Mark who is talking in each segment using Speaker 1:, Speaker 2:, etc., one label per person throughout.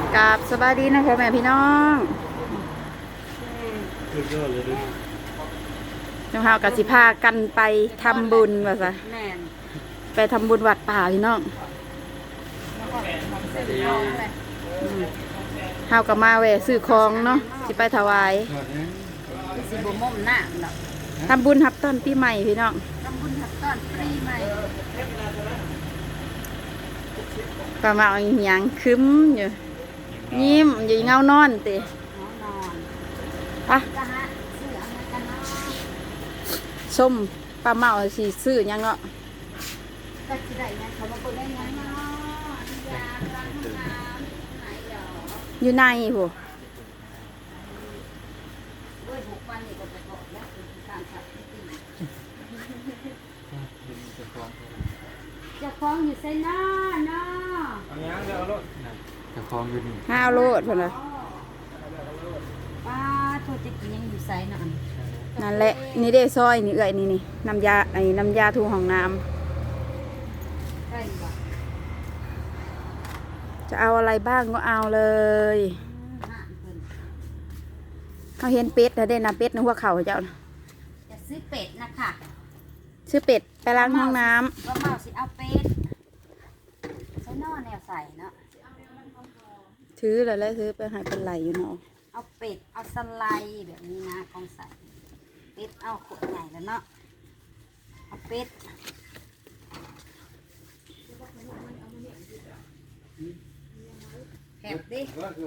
Speaker 1: กับสบายดีนะพ่อแม่พี่น้อง
Speaker 2: สุดยอดเลยดิ
Speaker 1: น้องเฮากับสิพากันไปทำบุญว่าซะไปทำบุญวัดป่าพี่น้องเฮากับมาแวะซื้อของเนาะสิไปถวาย
Speaker 3: สิบ่ม่มหน้าเนาะ
Speaker 1: ทำบุญรับต้นปีใหม่พี่น้อง
Speaker 3: ทำบุญรับต้นปีใหม่
Speaker 1: ก็มาเอาหยังคึ้มอยู่ยิ้มอยู่เงานอนติ
Speaker 3: นอน
Speaker 1: ปะส้มปลาเมาสิซื้อหยังเนาะ
Speaker 3: ก็สิได้หยังเขาบ่คนได้หยังเนาะยาล้างน้ำไหนเดี๋ยว
Speaker 1: อยู่ในผู้
Speaker 3: ด้วย6วันนี่ก็จะบอกแล้วคือการสับตีจะคล้องอยู่ไสเนาะเนาะ
Speaker 2: เอาหยังเดี๋ยวเอารถจะคลองอยู่นี่
Speaker 1: ห้าวโลดพุ่นน่ะ
Speaker 3: ป้าโทษจะกินยังอยู่ไสเนาะ
Speaker 1: นั่นแหละนี่เด้ซอยนี่เอ้ยนี่น้ำยาน้ำยาทูห้องน้ำ
Speaker 3: ใช่บ่
Speaker 1: จะเอาอะไรบ้างก็เอาเลยเขาเห็นเป็ดนะเด่นนะเป็ดในหัวเข่าเจ้านะ
Speaker 3: จะซื้อเป็ดนะคะ
Speaker 1: ซื้อเป็ดไปล้างห้องน้
Speaker 3: ำก็เมาสิเอาเป็ดใช้นอแนวใส่เนาะ
Speaker 1: ถือเลยซื้อไปให้เป็นไหลอยู่เนาะ
Speaker 3: เอาเป็ดเอาสไลด์แบบนี้นะกองใส่เป็ดเอาขวดใหญ่แล้วเนาะเอาเป็ดแหบดิ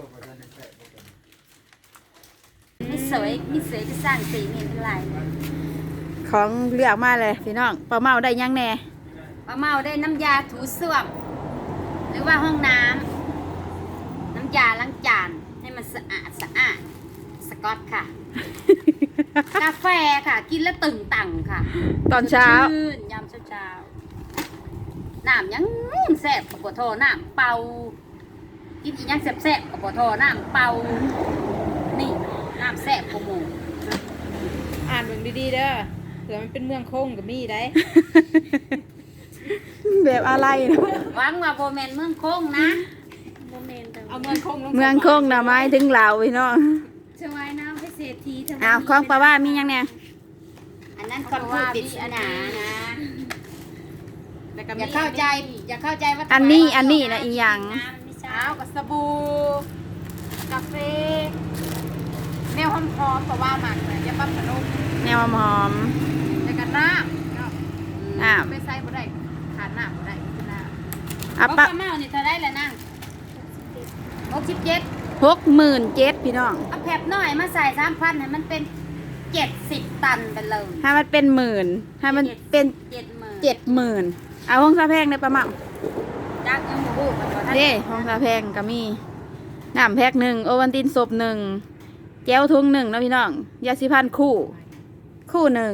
Speaker 3: มีสวยที่สร้างสีนี่เป็นลาย
Speaker 1: ของเลือกมาเลยพี่น้องปลาเมาได้ยังแน่
Speaker 3: ปลาเมาได้น้ำยาถูส้วมหรือว่าห้องน้ำน้ำยาล้างจานให้มันสะอาดสกอตค่ะ กาแฟค่ะกินแล้วตึงตังค่ะ
Speaker 1: ตอนเช้
Speaker 3: ายามเช้าน้ำยังแซ่บกว่าโทน้ำเป่ากินอีกยังแซ่บกว่าโทน้ำเป่านี่น้ำแซ่บกว่าหมู
Speaker 1: อ่านเบิ่งดีๆเด้อเผื่อมันเป็นเมืองคงกับมีได้ แบบอะไรนะ
Speaker 3: วังว่าโบแมนเมืองคงนะ
Speaker 1: เอาเมืองคงนะไม้ถึงเหล่าพี่น้อง
Speaker 3: ชวายน้ำให้เศรษฐี
Speaker 1: อ้าวของปลาว่ามียังเนี่ย
Speaker 3: อันนั้นคนพูดปริศนานะอย่าเข้าใจว่า
Speaker 1: อันนี้นะอีหยัง
Speaker 3: เอากับสบู่กาแฟแนวหอมๆเพราะว่าหมักเลยจะปั๊บขนม
Speaker 1: แนวหอม
Speaker 3: แล้วก็น้ำไม่ใส่บ่ได้ขาดน้ำบ่ได้คือน้ำเอาปลาเมานี่เท่าไรแหละนั่ง
Speaker 1: 67,000พี่น้อง
Speaker 3: เอาแผบหน่อยมาใส่3,000ให้มันเป็น70 ตันไปเลย
Speaker 1: ให้มันเป็นหมื่นให้มันเป็น70,000เอาห้องซาแพงได้ปลาเมา
Speaker 3: จักยังบ่ฮู้กันว่า
Speaker 1: เด้ห้องซาแพงก็มีน้ำแพ็ค1โอวัลตินศพ1แก้วทุง1นะพี่น้องยาสีฟันคู่1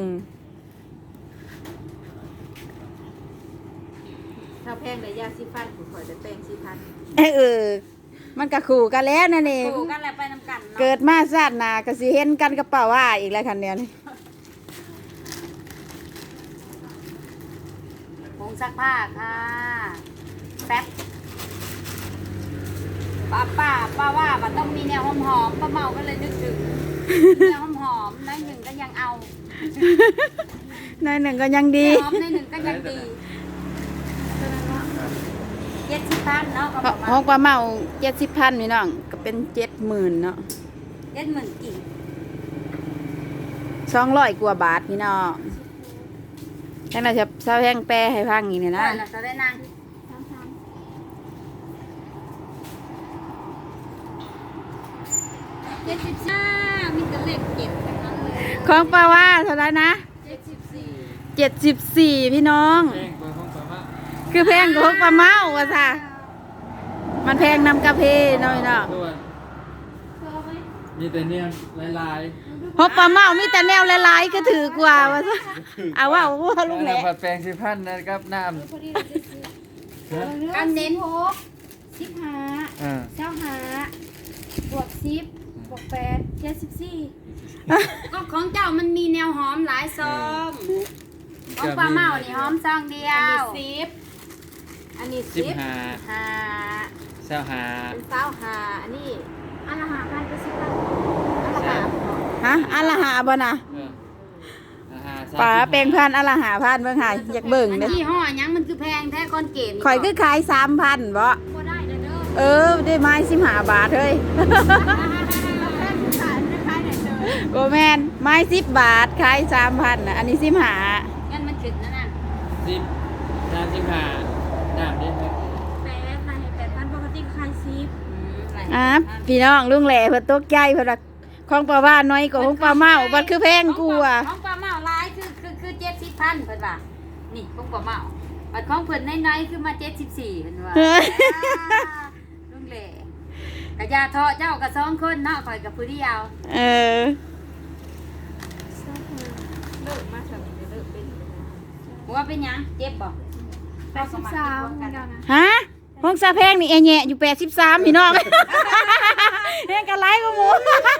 Speaker 3: ถ้าแพงได้ยาสีฟันข่อยได้แปรงสีฟัน
Speaker 1: มันก็คู่กันแล้วนั่นเอง
Speaker 3: คู่กันแล้วไปนำกัน
Speaker 1: เกิดมาชาติหน้าก็สิเห็นกันกระเป๋าว่าอีกแล้วคันเดียวนี่
Speaker 3: ผงซักผ้าค่ะแป๊บป้าว่ามันต้องมีแนวหอมป้าเมาก็เลยนึกถึงแนวหอมน้อยหนึ่งก็ยังเอา
Speaker 1: น้อยหนึ่งก็ยังดี
Speaker 3: หอมน้อยหนึ่งก็ยังดี70,000เนาะ
Speaker 1: ห้องปลาเมา70,000พี่น้องก็เป็น70,000เนาะ
Speaker 3: 70,000กี่
Speaker 1: 200 กว่าบาทพี่น้องแค่นั้นจะซาแพงแปรให้ฟังอีกเนี่ยนะ
Speaker 3: จะได้นั่ง75มีแต่เลข7ทั้งนั้นเลย
Speaker 1: ของปลาว่าเท่าไหร่นะ74พี่น้องคือแพงกว่าของปลาเมาว่ะจ้ะมันแพงนำกาแฟน้อยเนาะ
Speaker 2: มีแต่เนี่ยลาย
Speaker 1: เพราะปลาเมามีแต่แนวลายๆก็ถือกว่าว่ะจ้ะเอาว่าลุงแหละ
Speaker 2: แปลง10,000นะครับน้ำ
Speaker 3: กันเน้น15 25บวก10บวก8 74ก็ของเจ้ามันมีแนวหอมหลายซองของปลาเมานี่หอมซองเดียวอันนี้10 5 25อัน
Speaker 1: ฮะอันละหาบ่นะ ป๋าแปลงพันธุ์อันละ5,000เบิ่งหาอยากเบิ่ง
Speaker 3: อัน
Speaker 1: เด้อ
Speaker 3: ยี่ห้อหยังมันคือแพงแท้คอนเกต
Speaker 1: ข่อยคือขาย 3,000บ่
Speaker 3: บ่ได้เด้อ
Speaker 1: ได้ไม้15 บาทเฮ้ย โอ้แม่นไม้10 บาทขาย 3,000น่ะอันนี้15
Speaker 3: งั้นมันขึ้นนะน่ะ
Speaker 2: 10 35น้ำได้ไหม
Speaker 3: 8,000ปกติขาย10
Speaker 1: พี่น้องลุงแหล่เพิ่นตกใจเพิ่นว่าของปลาว่าน้อยกว่าของปลาเมาบัดคือแพงกว่า
Speaker 3: ของปลาเมาหลายคือ70,000เพิ่นว่านี่ของปลาเมาบัดของเพิ่นน้อยๆคือมา74เพิ่นว่าลุงแหล่กะยาเทาะเจ้ากับ2คนเนาะข่อยกับผู้เดียว
Speaker 1: เออ
Speaker 3: เลิกมาสามีเลิกเป็นว่าเป็นหยังเจ็บบ่83กันนะ
Speaker 1: ฮะห้องซาแพงนี่แอะแหะอยู่83พี่น้องแพงกันหลายกว่าหมู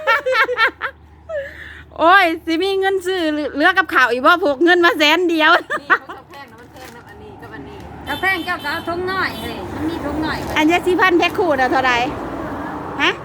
Speaker 1: โอ้ยสิมีเงินซื้อเหลือกับข้าวอีกบ่พกเงินมา100,000
Speaker 3: นี่เขาแพงนะมันแพงนะอันนี้กับอันนี้ถ้าแพงเจ้าก็เอาทงน้อยเฮ้ยมันมีทงน้อย
Speaker 1: อันยาสีพันแพ็คคู่น่ะเท่าใดฮะ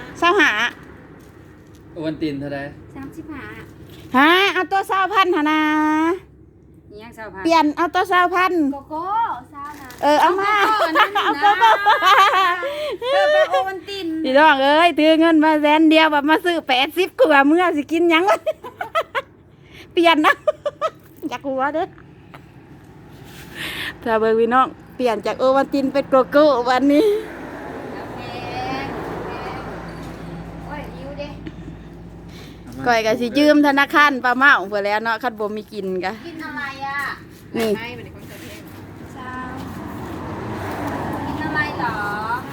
Speaker 1: 25
Speaker 2: โอวันตินเท่าไหร่
Speaker 3: 35
Speaker 1: ฮะเอาตัว20,000หั่นน่ะ
Speaker 3: นี่ยัง2,000
Speaker 1: เปลี่ยนเอาตัว20,000
Speaker 3: โกโก้ซาวนะ
Speaker 1: เอามา
Speaker 3: เอาโกโก้ไปโอวันติน
Speaker 1: พี่น้องเอ้ยถือเงินมา100,000เดียวแบบมาซื้อ80กว่าเมื่อสิกินหยังวะเปลี่ยนนะอยากหัวเด้อถ้าเบิ่งพี่น้องเปลี่ยนจากโอวันตินเป็นโกโก้วันนี้
Speaker 3: แพงโอ้ยยิ้วเด้
Speaker 1: ก่อยก็สิยืมธนาคารปลาเมาเพิ่นแล้วเนาะคันบ่มีกินก็
Speaker 3: กินอะไรอ่ะ
Speaker 1: นี่
Speaker 3: ไม่เป็นคนจะเพลงซาวกินอะไรหรอ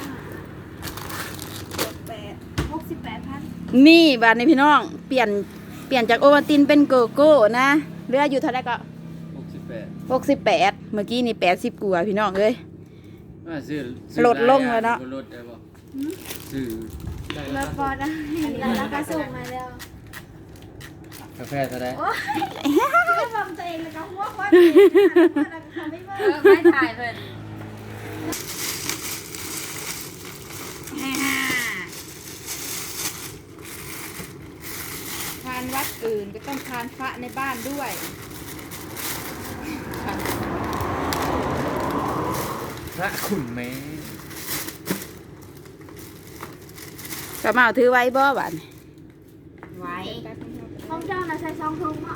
Speaker 3: 68,000
Speaker 1: นี่บาดนี้พี่น้องเปลี่ยนจากโอวันตินเป็นโกโก้นะเหลืออยู่เท่าไหร่ก็ 68เมื่อกี้นี่80กว่าพี่น้องเอ้ย
Speaker 2: ว่าซื้อ
Speaker 1: ลดลงแล้วเนาะ
Speaker 2: ลดได้บ่ซื้อได้
Speaker 3: แล้วพอได้แล้วก็ส่งมาแล้ว
Speaker 2: กาแฟเท่าไหร่
Speaker 3: ก็ทำตัวเองแล้วก็หัวควันไม่ถ่ายเพิ่นทานวัดอื่นก็ต้องทานพระในบ้านด้วย
Speaker 2: พระขุนแม่
Speaker 1: ปลาเมาถือไว้บ่บาดนี้
Speaker 3: ไว้ห้องเจ้าน่ะใส่ซองทงเนาะ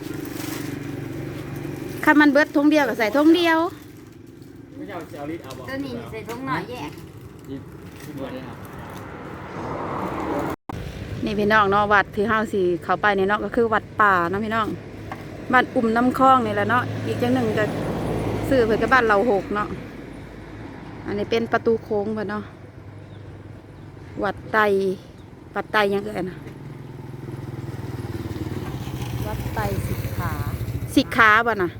Speaker 1: คันมันเบิดทงเดียวก็ใส่ทงเดียว
Speaker 2: ไม่เอาจะเอาลิตรเอาบ่
Speaker 3: ตัวนี้ใส่ทงหน่อยแยก
Speaker 2: ที่บ่ได้ครับ
Speaker 1: นี่พี่น้องเนาะวัดที่เฮาสิเข้าไปเนี่ยเนาะก็คือวัดป่าเนาะพี่น้องบ้านอุ่มน้ำคลองนี่แหละเนาะอีกจังหนึ่งก็ซื้อเพิ่นก็บ้านเราหกเนาะอันนี้เป็นประตูโค้งเพิ่นเนาะวัดไตยังเอ่ยนะวัดไตสิกขาบ่น่ะ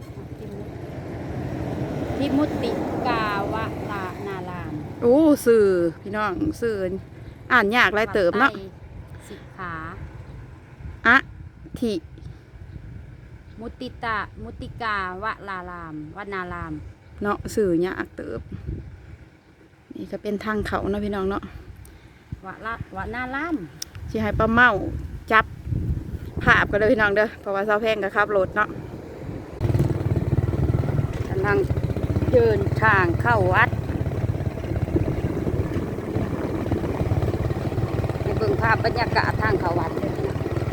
Speaker 3: ทิมุติกาวะลานาราม
Speaker 1: โอ้สื่อพี่น้องสื่ออ่านยากหลายเติบเนาะ
Speaker 3: สิกขา
Speaker 1: อะทิ
Speaker 3: มุติกาวะลารามวนาราม
Speaker 1: เนาะสื่อยากเติบนี่ก็เป็นทางเขาเนาะพี่น้องเนาะ
Speaker 3: วนาราม
Speaker 1: สิให้ป้าเมาจับภาพกันเลยพี่น้องเด้อเพราะว่าเสาแพงก็ขับรถเนาะ
Speaker 3: กำลังเดินทางเข้าวัดไปเบิ่งภาพบรรยากาศทางเข้าวัดเลยนะ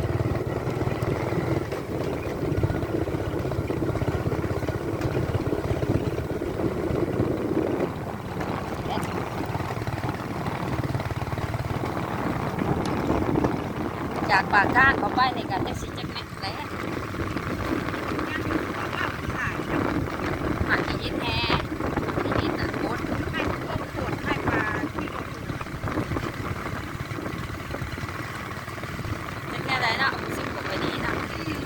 Speaker 3: จากปากทางเขาไปในการแท็กซี่จักรเม็ดแล้วอาจจะยินแท้ยินรถให้ต้มขวดให้ปลาที่รถจะแค่ไหนเนาะสิบกว่าไปนี้นะ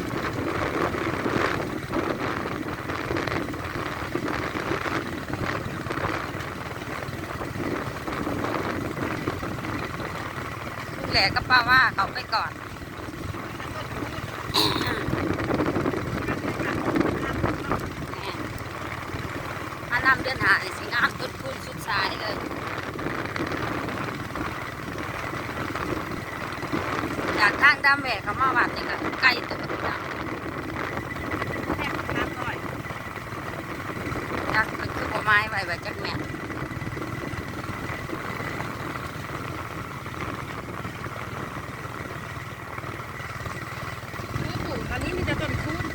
Speaker 3: ลูกแหล่ก็ป้าว่าเขาไปก่อนถ้านำเดือนหาสิงามต้นคูณสุดสายเลยจาก
Speaker 1: ทางดำแหวกเขามาวัดนี่ก็ไกลตัวพี่น้องจักเป็นคือบ่ไม้ไว้ไว้จักแม่นตอนนี้มีแต่ต้นคูน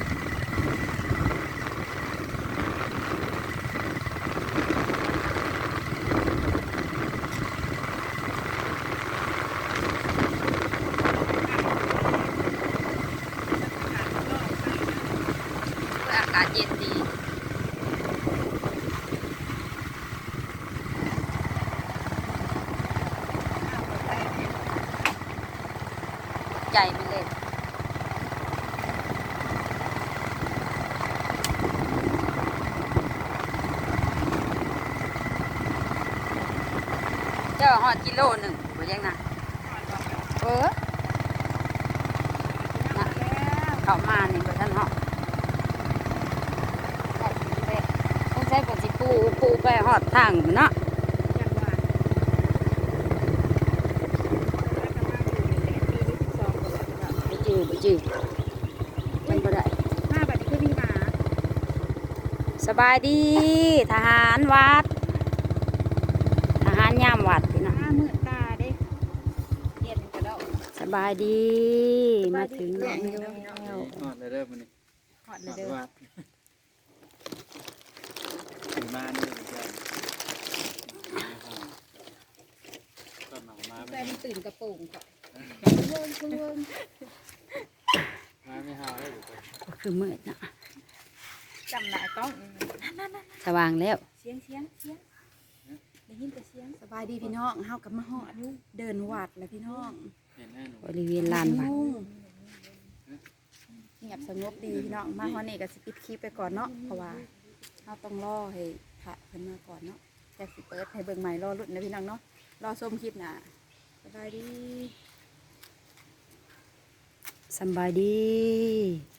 Speaker 1: อากาศเย็นดีใจไปเลยเจ้าหอดกิโลหนึ่งบ่ยังนะนะเข้ามานี่บ่ท่านหอดต้องใช้ผลสิปูไปหอดทางเนาะบ่จื้อมันบ่ได้มาบัดนี้คือมีหมาสบายดีทหารวัดทหารยามวัดพี่น้องมืดตาเด้เย็นกระโดดสบายดีมาถึงแล้ว
Speaker 2: หอดเลยเริ่มมันนี่
Speaker 1: หอดเลยเด้อ
Speaker 2: วัดถึงบ้านนี่จะก็หนองมา
Speaker 3: แต่มันตื่นกระโปรงก่อน
Speaker 2: มาไม่หาเลย
Speaker 1: ก็คือมืดนะ
Speaker 3: จำหลายต้อง
Speaker 1: สว่างแล้ว
Speaker 3: เสียงได้ยินแต่เสียง
Speaker 1: สบายดีพี่น้องเฮากับมาฮอดเดินวัดแล้วพี่น้อง
Speaker 2: เห็นแน่หนู
Speaker 1: บริเวณลานวัดเงียบสงบดีพี่น้องมาฮอดนี่ก็สิปิดคลิปไปก่อนเนาะเพราะว่าเฮาต้องรอให้พระเพิ่นมาก่อนเนาะจะสิเปิดให้เบิ่งใหม่รอรุ่นนะพี่น้องเนาะรอชมคลิปหน้าสบายดีสบายดี